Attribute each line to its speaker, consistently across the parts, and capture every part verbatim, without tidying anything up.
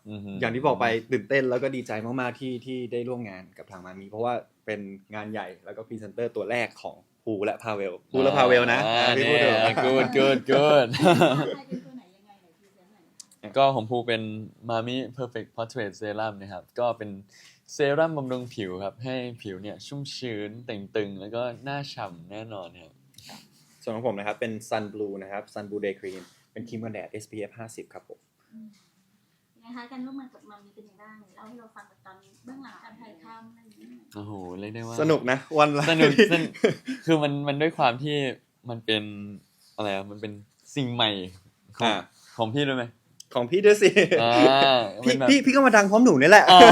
Speaker 1: อย่างที่บอกไปตื่นเต้นแล้วก็ดีใจมากๆที่ที่ได้ร่วมงานกับทางมามีเพราะว่าเป็นงานใหญ่แล้วก็พรีเซนเตอร์ตัวแรกของภูและพาเวลภูและพาเวลนะพี่พูดเถอะ
Speaker 2: good good good
Speaker 3: ใครเป็นตัวไหนยังไงไหนพรีเซนต์หน่อยนะคะ
Speaker 2: ก็ของภูเป็น Mami Perfect Portrait Serum นะครับก็เป็นเซรั่มบำรุงผิวครับให้ผิวเนี่ยชุ่มชื้นเต่งตึงแล้วก็หน้าฉ่ำแน่นอนครับ
Speaker 1: ส่วนของผมนะครับเป็น Sun Blue นะครับ Sun Blue Day Cream เป็นครีมกันแดด เอส พี เอฟ ห้าสิบครับผม
Speaker 3: นะคะการร่วมงานกับมัมมีเป็นยังไงบ้างเล่าให้เราฟังแบบตอนเบื้องหลังการถ่ายทำอะไรอย่างเงี้ย
Speaker 2: โอ้โหเรียกได้ว่า
Speaker 1: สนุกนะวันละ
Speaker 2: สนุกสนุกคือมันมันด้วยความที่มันเป็นอะไรอ่ะมันเป็นสิ่งใหม่ของ
Speaker 1: อ่า
Speaker 2: ของพี่ด้วยไหม
Speaker 1: ของพี่ด้วยสิ
Speaker 2: อ่า
Speaker 1: พี่
Speaker 2: มันแบบ
Speaker 1: พี่พี่ก็มาดังพร้อมหนูนี่แหละ
Speaker 2: อ่า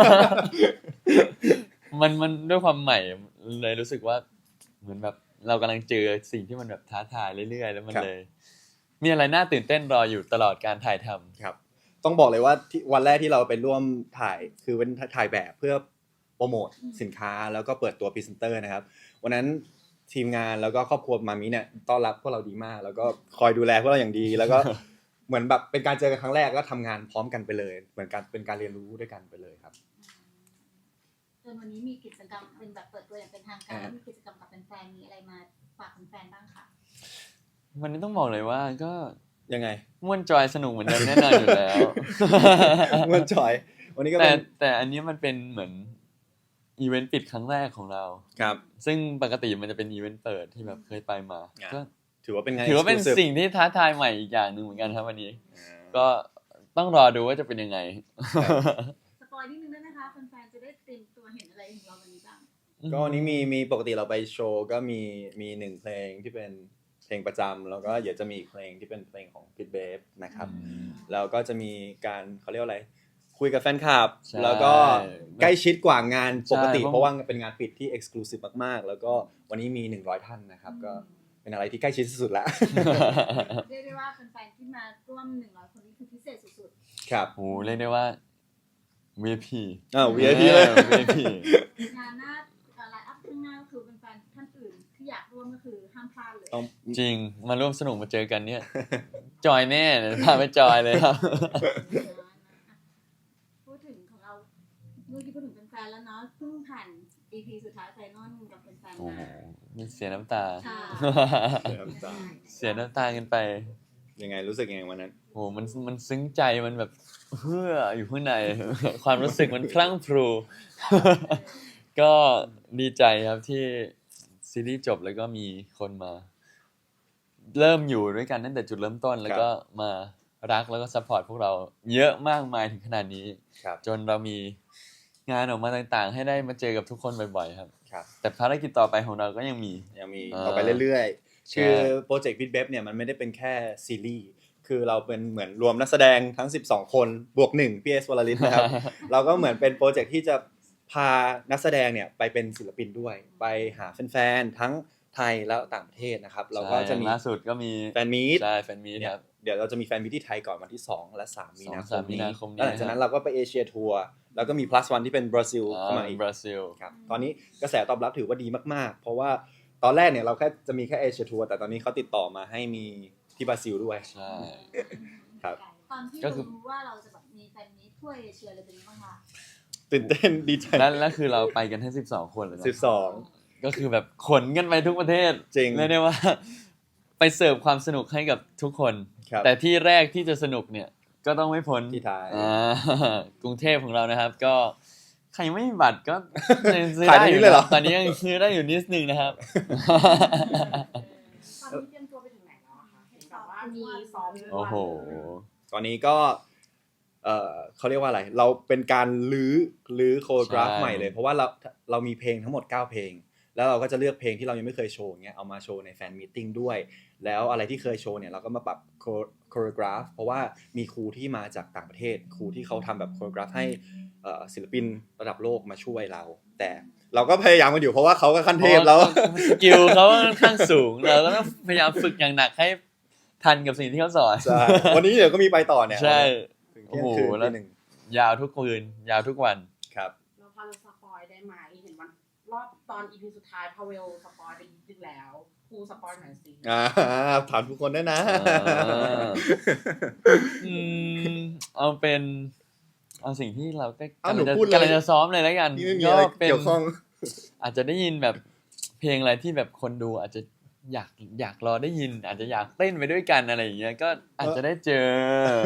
Speaker 2: มันมันด้วยความใหม่เลยรู้สึกว่าเหมือนแบบเรากำลังเจอสิ่งที่มันแบบท้าทายเรื่อยๆแล้วมัน
Speaker 1: ครับ
Speaker 2: เลย มีอะไรน่าตื่นเต้นรออยู่ตลอดการถ่ายทำ
Speaker 1: ครับต้องบอกเลยว่าที่วันแรกที่เราไปร่วมถ่ายคือเป็นถ่ายแบบเพื่อโปรโมทสินค้าแล้วก็เปิดตัวพรีเซนเตอร์นะครับวันนั้นทีมงานแล้วก็ครอบครัวมามิเนี่ยต้อนรับพวกเราดีมาก แล้วก็คอยดูแลพวกเราอย่างดี แล้วก็ เหมือนแบบเป็นการเจอกันครั้งแรกก็ทำงานพร้อมกันไปเลย เหมือนการเป็นการเรียนรู้ด้วยกันไปเลยครับ
Speaker 3: จนวันนี้มีกิจกรรมเป็นแบบเปิดตัวอย่างเป็นทางการแล้วมีกิจกรรมกับแฟนๆมีอะไรมาฝากแฟนๆบ้างคะ
Speaker 2: วันนี้ต้องบอกเลยว่าก็
Speaker 1: ยังไง
Speaker 2: ม่วนจอยสนุกเหมือนเดิมแน่นอนอยู่แล้ว
Speaker 1: เมื่อจอย วันนี้ก็
Speaker 2: แต่
Speaker 1: เป็น
Speaker 2: แต่อันนี้มันเป็นเหมือนอีเวนต์ปิดครั้งแรกของเรา
Speaker 1: ครับ
Speaker 2: ซึ่งปกติมันจะเป็นอีเวนต์เปิดที่แบบเคยไปมา
Speaker 1: อ่า
Speaker 2: ก็
Speaker 1: ถือว่าเป็นไง
Speaker 2: ถือว่าเป็น
Speaker 1: exclusive
Speaker 2: สิ่งที่ท้าทายใหม่อีกอย่างหนึ่งเหมือนกันครับวันนี้
Speaker 1: อ่า
Speaker 2: ก็ต้องรอดูว่าจะเป็นยังไง
Speaker 3: สปอยนิดนึงได้ไหมคะแฟนๆจะได้เตรียมตัวเห็นอะไรของเราวันนี้บ้าง
Speaker 1: ก็วันนี้มีมีปกติเราไปโชว์ก็มีมีหนึ่งเพลงที่เป็นเพลงประจำแล้วก็เดี๋ยวจะมีอีกเพลงที่เป็นเพลงของ Pit Babe นะครับ
Speaker 2: อืม
Speaker 1: แล้วก็จะมีการเขาเรียกว่าอะไร คุยกับแฟนคลับ
Speaker 2: ใช่
Speaker 1: แล้วก็ใกล้ชิดกว่างานปกติ
Speaker 2: ใช่
Speaker 1: เพราะว่าเป็นงานปิดที่ exclusive มากๆ แล้วก็วันนี้มีหนึ่งร้อยท่านนะครับ ก็เป็นอะไรที่ใกล้ชิดที่สุดแล้ว
Speaker 3: เรียกได้ว่าแฟนๆที่มาร่วมหนึ่งร้อยคนนี้คือพิเศษสุด
Speaker 1: ครับ
Speaker 2: โอ้โหเรียกได้ว่า วี ไอ พี
Speaker 1: อ้าว วี ไอ พี เลย
Speaker 2: ออ วี ไอ พี
Speaker 3: ๆงานหน้าไลน์อัพข้างหน้าก็คือแฟนๆท่านอื่นที่อยากร่วมก็คือห้ามพลาดเลย
Speaker 1: ต้อง
Speaker 2: จริงมาร่วมสนุกมาเจอกันเนี่ย จอยแน่เดี๋ยวพาไปจอยเลยครับ
Speaker 3: พูดถึงของเราเมื่อกี้พูดถึงแฟนๆแล้วเนาะเพิ่งผ่าน อี พี สุดท้ายไฟนอลกับแฟนๆ
Speaker 2: โอ้โห
Speaker 3: มา
Speaker 2: มีเสียน้ำตา
Speaker 3: ค่ะ
Speaker 1: เสียน้ำตา
Speaker 2: เสียน้ำตากันไป
Speaker 1: ยังไงรู้สึกยังไงวันนั้น
Speaker 2: โอ้โหมันมันซึ้งใจมันแบบเฮืออยู่ข้างใน ความรู้สึกมันพลั่งพรู ก็ดีใจครับที่ซีรีส์จบแล้วก็มีคนมา เริ่มอยู่ด้วยกันตั้งแต่จุดเริ่มต้น แล้วก็มารักแล้วก็ซัพพอร์ตพวกเราเยอะมากมายถึงขนาดนี้
Speaker 1: ครับ
Speaker 2: จนเรามีงานออกมาต่างๆ ให้ได้มาเจอกับทุกคนบ่อยๆครับ
Speaker 1: ครับ
Speaker 2: แต่ภารกิจต่อไปของเราก็ยังมี
Speaker 1: ยังมี
Speaker 2: อ่า
Speaker 1: ต่อไปเรื่อยๆ
Speaker 2: ใช่
Speaker 1: คือโปรเจกต์ Pit Babe เนี่ยมันไม่ได้เป็นแค่ซีรีส์ คือเราเป็นเหมือนรวมนักแสดงทั้งสิบสองคนบวกหนึ่งพีเอสวลลิตนะครับ เราก็เหมือนเป็นโปรเจกต์ที่จะพานักแสดงเนี่ยไปเป็นศิลปินด้วย ไปหาแฟนๆทั้งไทยแล้วต่างประเทศนะครับ เราก็จะมี
Speaker 2: ใช่ล่าสุดก็มี
Speaker 1: แฟนมีต
Speaker 2: ใช่แฟนมีต
Speaker 1: เนี่
Speaker 2: ค
Speaker 1: ย
Speaker 2: รับ
Speaker 1: เดี๋ยวเราจะมีแฟนมีตที่ไทยก่อนวันที่สองและสามมีนาค
Speaker 2: สอง
Speaker 1: ม
Speaker 2: สามมี
Speaker 1: นี้
Speaker 2: นาคมนี้
Speaker 1: แล้วหลังจากนั้นเราก็ไปเอเชียทัวร์แล้วก็มี plus one ที่เป็นบราซิลเข้ามาอีก
Speaker 2: บราซิล
Speaker 1: ครับตอนนี้กระแสตอบรับถือว่าดีมากๆ เพราะว่าตอนแรกเนี่ยเราแค่จะมีแค่เอเชียทัวร์แต่ตอนนี้เขาติดต่อมาให้มีที่บราซิลด้วย
Speaker 2: ใช่
Speaker 1: ครับ
Speaker 3: ตอนที่
Speaker 2: ก็คือ
Speaker 3: รู้ว่าเราจะแบบมีแฟนมีตทั่วเอเชียเลยเป็นยังไงบ้างคะ
Speaker 1: ตื่นเต้นดีใจ
Speaker 2: แล้วแล้วคือเราไปกันทั้งสิบสองคนเลยนะ
Speaker 1: สิบสอง
Speaker 2: ก็คือแบบขนกันไปทุกประเทศ
Speaker 1: จริง
Speaker 2: เรียกได้ว่า ไปเสิร์ฟความสนุกให้กับทุกคน
Speaker 1: ครับ
Speaker 2: แต่ที่แรกที่จะสนุกเนี่ย ก็ต้องไม่พ้น
Speaker 1: ที่ไทย
Speaker 2: อ่ากรุงเทพของเรานะครับ ก็ใครยังไม่มีบัตรก็ยังซื้อ
Speaker 1: ขาย
Speaker 2: ได้
Speaker 1: ตรง
Speaker 2: อ
Speaker 1: นี้
Speaker 2: ยู่
Speaker 1: เลยเหรอ
Speaker 2: นะตอนนี้ยังซื้อได้อยู่นิดนึงนะครับ
Speaker 4: ตอนนี้เตรียมตัวไปถึงไหนแล้วอะคะเห็นแบบว่ามีซ้อมทุกวัน
Speaker 2: โอ้โห
Speaker 1: ตอนนี้ก็เออเขาเรียกว่าอะไร เราเป็นการลื้อลื้อโคโรกราฟ
Speaker 2: ใช่
Speaker 1: ใหม่เลย เพราะว่าเราเรามีเพลงทั้งหมดเก้าเพลง แล้วเราก็จะเลือกเพลงที่เรายังไม่เคยโชว์เงี้ยเอามาโชว์ในแฟนมีตติ้งด้วย แล้วอะไรที่เคยโชว์เนี่ยเราก็มาปรับโคโรกราฟเพราะว่ามีครูที่มาจากต่างประเทศ ครูที่เขาทำแบบโคโรกราฟให้เอ่อศิลปินระดับโลกมาช่วยเรา แต่เราก็พยายามกันอยู่เพราะว่าเขาก็ขั้นเทพแล้ว
Speaker 2: สกิลเขาค่อนข้างสูงเราก็ต้องพยายามฝึกอย่างหนักให้ทันกับสิ่งที่เขาสอน
Speaker 1: ใช่ วันนี้เดี๋ยวก็มีไปต่อเนี่ย
Speaker 2: ใช่
Speaker 1: ถึง
Speaker 2: โอ้
Speaker 1: เที่ยง
Speaker 2: โห
Speaker 1: คืน
Speaker 2: แล้ว
Speaker 1: ทีหนึ่ง
Speaker 2: ยาวทุกคืนยาวทุกวัน
Speaker 1: ครับ
Speaker 4: เราพอจะสปอยได้ไหมเห็นวันรอบตอนอีพีสุดท้ายพาเวลสปอยไปนิดนึงแล้วครูสปอยหน่อยสิ
Speaker 1: อ่าถามทุกคนได้นะ
Speaker 2: อ่า อืมเอาเป็นเอาสิ่งที่เราก็
Speaker 1: อ้าว
Speaker 2: กำลังจะ
Speaker 1: หนูพูดเลย
Speaker 2: กำลังจะซ้อมเลยแล้วกัน
Speaker 1: นี่ไม่มี
Speaker 2: ก็
Speaker 1: อะไร
Speaker 2: เป็น
Speaker 1: เกี่ยวข้อง
Speaker 2: อาจจะได้ยินแบบเพลงอะไรที่แบบคนดูอาจจะอยากอยากรอได้ยิน อาจจะอยากเต้นไปด้วยกันอะไรอย่างเงี้ยก็อาจจะได้เจอ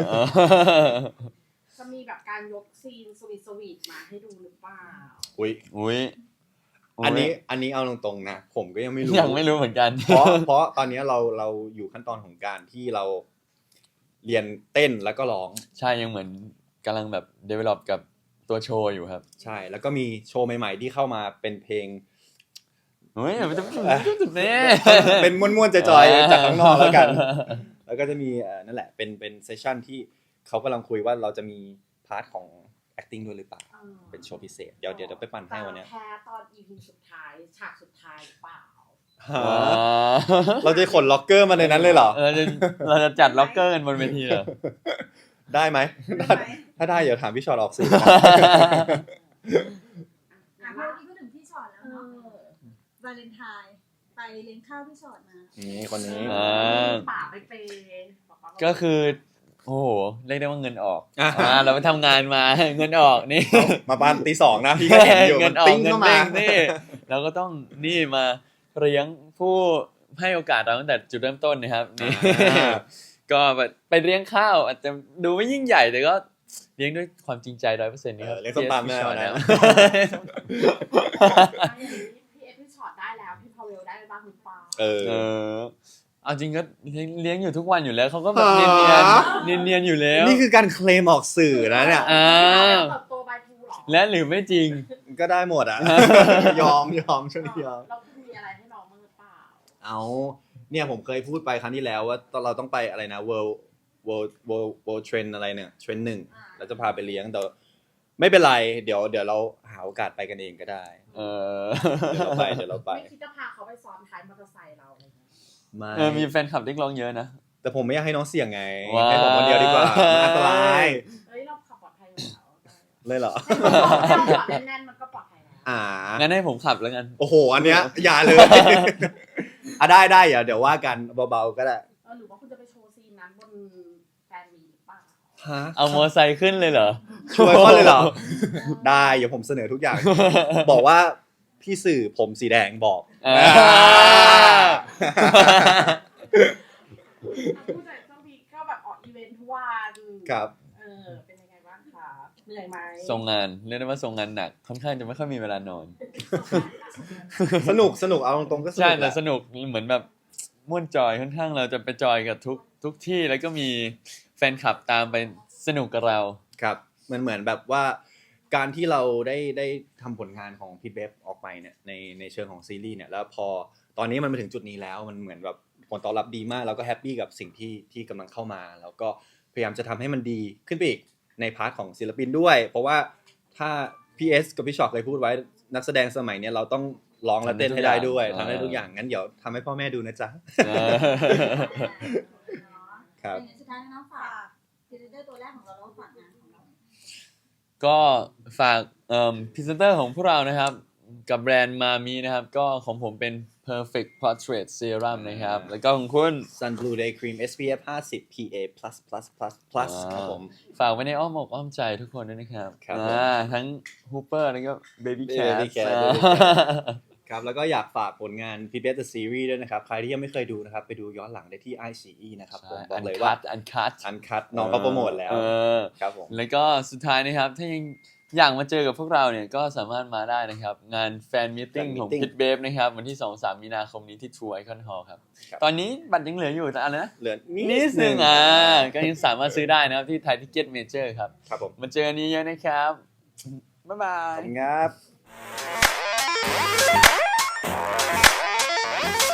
Speaker 4: จะมีแบบการยกซีนสวีทสวีทมาให้ดูหรือเปล่า
Speaker 1: อุ้ย
Speaker 2: อุ้ย
Speaker 1: อันนี้อันนี้เอาตรงๆนะผมก็ยังไม่รู้
Speaker 2: ยังไม่รู้เหมือนกัน
Speaker 1: เพราะเพราะตอนนี้เราเราอยู่ขั้นตอนของการที่เราเรียนเต้นแล้วก็ร้อง
Speaker 2: ใช่ยังเหมือนกำลังแบบ develop กับตัวโชว์อยู่ครับ
Speaker 1: ใช่ แล้วก็มีโชว์ใหม่ๆที่เข้ามาเป็นเพลง
Speaker 2: เฮ้ยมันจะจุดนี้
Speaker 1: เป็นม้วนๆจอยๆจากข้างนอกแล้วกัน แล้วก็จะมีเอ่อนั่นแหละเป็นเป็นเซสชั่นที่เขากำลังคุยว่าเราจะมีพาร์ทของ acting ด้วยหรือเปล่า
Speaker 4: เออ
Speaker 1: เป็นโชว์พิเศษเดี๋ยวเดี๋ยวจะไปปั่นให้วันเนี้ย
Speaker 4: แพ้ตอน อี พี สุดท้ายฉากสุดท้ายหรือเปล่า
Speaker 2: ว้า
Speaker 1: เราจะขนล็อกเกอร์มาในนั้นเลยเหรอ
Speaker 2: เราจะเราจะจัดล็อกเกอร์กันบนเวทีเหรอ
Speaker 1: ได้ไหม
Speaker 3: ได้ไหม
Speaker 1: ถ้าได้เดี๋ยวถามพี่ชอตออกสื่อ
Speaker 3: อ่ะเมื่อกี้พูดถึงพี่ชอตแล้ว
Speaker 4: เอ
Speaker 3: เนาะ
Speaker 4: อ
Speaker 3: วาเลนไทน์ไปเลี้ยงข้าวพี่ชอตมา
Speaker 1: นี่คนนี้
Speaker 2: อ่า
Speaker 4: ป่าไปเปย์บอกว่า
Speaker 2: ก็คือ โอ้โหเรียกได้ว่าเงินออก
Speaker 1: อ่ะ
Speaker 2: อ่าเราไปทำงานมา เงินออกนี่
Speaker 1: มาบ้านตีสองนะพี่ก็เห็นอยู่
Speaker 2: เงิ
Speaker 1: มัน น
Speaker 2: ออก
Speaker 1: ติ้ง
Speaker 2: เงิน
Speaker 1: เข้ามา
Speaker 2: เด้งนี่เราก็ต้องนี่มาเลี้ยงผู้ให้โอกาสเราตั้งแต่จุดเริ่มต้นนะครับนี่
Speaker 1: อ่า
Speaker 2: ก็แบบไปเลี้ยงข้าวอาจจะดูไม่ยิ่งใหญ่แต่ก็เลี้ยงด้วยความจริงใจร้อยเปอร์เซ็นต์นี่ครับ
Speaker 1: เออเลี้ยงส้มตำแน่
Speaker 2: พี่ชอต
Speaker 1: นะ
Speaker 2: นะ
Speaker 4: พี่เอฟพี่ช็อตได้แล้วพี่พาวเวลได้บ้างหรือเปล่า
Speaker 1: เออ
Speaker 2: เออเอาจริงก็เลี้ยงเลี้ยงอยู่ทุกวันอยู่แล้วเขาก็แบบเนียน
Speaker 1: ฮะ
Speaker 2: เนียนเนียนๆอยู่แล้ว
Speaker 1: นี่คือการเคลมออกสื่อนะเนี่ย
Speaker 2: อ่า
Speaker 4: เติบโตบายทูหรอ
Speaker 2: และหรือไม่จริง
Speaker 1: ก็ได้หมดอ่ะ ยอมยอมช่วงนี้ยอม
Speaker 4: เรามีอะไรให้น้องบ้างหรือเปล่า
Speaker 1: เอาเนี่ยผมเคยพูดไปครั้งที่แล้วว่าตอนเราต้องไปอะไรนะ world world world world trend อะไรเนี่ย trend หนึ่งเราจะพาไปเลี้ยงแต่ไม่เป็นไรเดี๋ยวเดี๋ยวเราหาโอกาสไปกันเองก็ได้
Speaker 2: เออ
Speaker 1: เดี๋ยวเราไปเดี๋ยวเราไป
Speaker 4: ไม่คิดจะพาเขาไปซ้อนท้ายมอเตอร์ไซค์เราอะไรเงี้ย
Speaker 1: ไม่
Speaker 2: เออมีแฟนคลับเรียกร้องเยอะนะ
Speaker 1: แต่ผมไม่อยากให้น้องเสี่ยงไง
Speaker 2: ว้าว
Speaker 1: ให้ผมคนเดียวดีกว่ามันอันตราย
Speaker 4: เฮ้ยเราขับปลอดภัยอยู่แล้ว
Speaker 1: เลยเหรอ
Speaker 4: ถ้าเราขับแน่นๆมันก็ปลอดภัยแล้ว
Speaker 1: อ่า
Speaker 2: งั้นให้ผมขับแล้วกัน
Speaker 1: โอ้โหอันเนี้ยอย่าเลย อ่ะได้ได้เดี๋ยวเดี๋ยวว่ากันเบาๆก็ได้
Speaker 4: เออหรือว่าคุณจะไปโชว์ซีนนั้นบนแฟนมีหรือเปล่า
Speaker 1: ฮะ
Speaker 2: เอามอไซค์ขึ้นเลยเหรอ
Speaker 1: ช่วยเขาเลยเหรอ ได้เดี๋ยวผมเสนอทุกอย่าง บอกว่าพี่สื่อผมสีแดงบอก
Speaker 2: อ่า
Speaker 4: ผู้จัดต้องมีก็แบบออกอีเวนท์ทุกวัน
Speaker 1: ครับ
Speaker 4: เออเป็นยังไงบ้างคะเหนื่อยไหม
Speaker 2: ส่งงานเรียกได้ว่าส่งงานหนักค่อนข้างจะไม่ค่อยมีเวลานอน
Speaker 1: สนุกสนุกเอาตรงๆก็สนุ
Speaker 2: ใช่
Speaker 1: กแห
Speaker 2: แต่
Speaker 1: ละ
Speaker 2: สนุกเหมือนแบบม่วนจอยค่อนข้างเราจะไปจอยกับทุกทุกที่แล้วก็มีแฟนคลับตามไปสนุกกับเรา
Speaker 1: ครับมันเหมือนแบบว่าการที่เราได้ได้ทำผลงานของพีทเบฟออกไปเนี่ยในในเชิงของซีรีส์เนี่ยแล้วพอตอนนี้มันมาถึงจุดนี้แล้วมันเหมือนแบบผลตอบรับดีมากแล้วก็แฮปปี้กับสิ่งที่ที่กำลังเข้ามาแล้วก็พยายามจะทำให้มันดีขึ้นไปอีกในพาร์ทของศิลปินด้วย เพราะว่าถ้าพีเอสกับพี่ช็อตเคยพูดไว้นักแสดงสมัยเนี้ยเราต้องร้องและเต้นให้ได้ด้วย
Speaker 2: ทำได้
Speaker 1: ทำ
Speaker 2: ทุ
Speaker 1: ได้
Speaker 2: ก อา
Speaker 1: ทุกอย่ย่าง งงั้นเดี๋ยวทำให้พ่อแม่ดูนะจ๊ะ
Speaker 2: เออ
Speaker 1: ครับ
Speaker 3: อย่างสุดท้ายน้องฝากพรีเซนเตอร์ตัวแรกของเราแล้วก็ฝากงานของเรา
Speaker 2: ก็ฝากเอ่อพรีเซนเตอร์ของพวกเรานะครับ กับแบรนด์มามีนะครับ ก็ของผมเป็น perfect portrait serum นะครับ แล้วก็ของคุณ
Speaker 1: Sun Blue Day Cream เอส พี เอฟ ห้าสิบ พี เอ plus plus plus plus ครับผม
Speaker 2: ฝากไว้ในอ้อมอกอ้อมใจทุกคนด้วยนะครับ
Speaker 1: ครับ
Speaker 2: อ่าทั้ง Hooper แล้วก็ Baby Cat
Speaker 1: Baby Cat
Speaker 2: อ่า
Speaker 1: Baby Cat ครับแล้วก็อยากฝากผลงาน พี บี เอส The Series ด้วยนะครับ ใครที่ยังไม่เคยดูนะครับ ไปดูย้อนหลังได้ที่ ไอ ซี อี นะครับผมบอกเลยว่า
Speaker 2: อันคัท
Speaker 1: อันคัดน้องก็โปรโมทแล้ว
Speaker 2: เออ
Speaker 1: ครับผม
Speaker 2: แล้วก็สุดท้ายนะครับ ถ้ายังอยากมาเจอกับพวกเราเนี่ยก็สามารถมาได้นะครับ งานแฟนมีตติ้ง
Speaker 1: Fan
Speaker 2: ของ
Speaker 1: Meeting
Speaker 2: พิทเบฟนะครับ วันที่ สองถึงสาม มีนาคมนี้ที่ True Icon Hall ครับ
Speaker 1: ครับ
Speaker 2: ตอนนี้บัตรยังเหลืออยู่แต่อะไรนะ
Speaker 1: เหลือ
Speaker 2: นิดนึงอ่ะก็ยังสามารถซื้อได้นะครับที่ไทยทิเก็ตเมเจอร์ครับ
Speaker 1: ครับผม
Speaker 2: มาเจอกันเยอะๆนะครับ บ๊ายบา
Speaker 1: ขอบ
Speaker 2: ย
Speaker 1: คุณครับ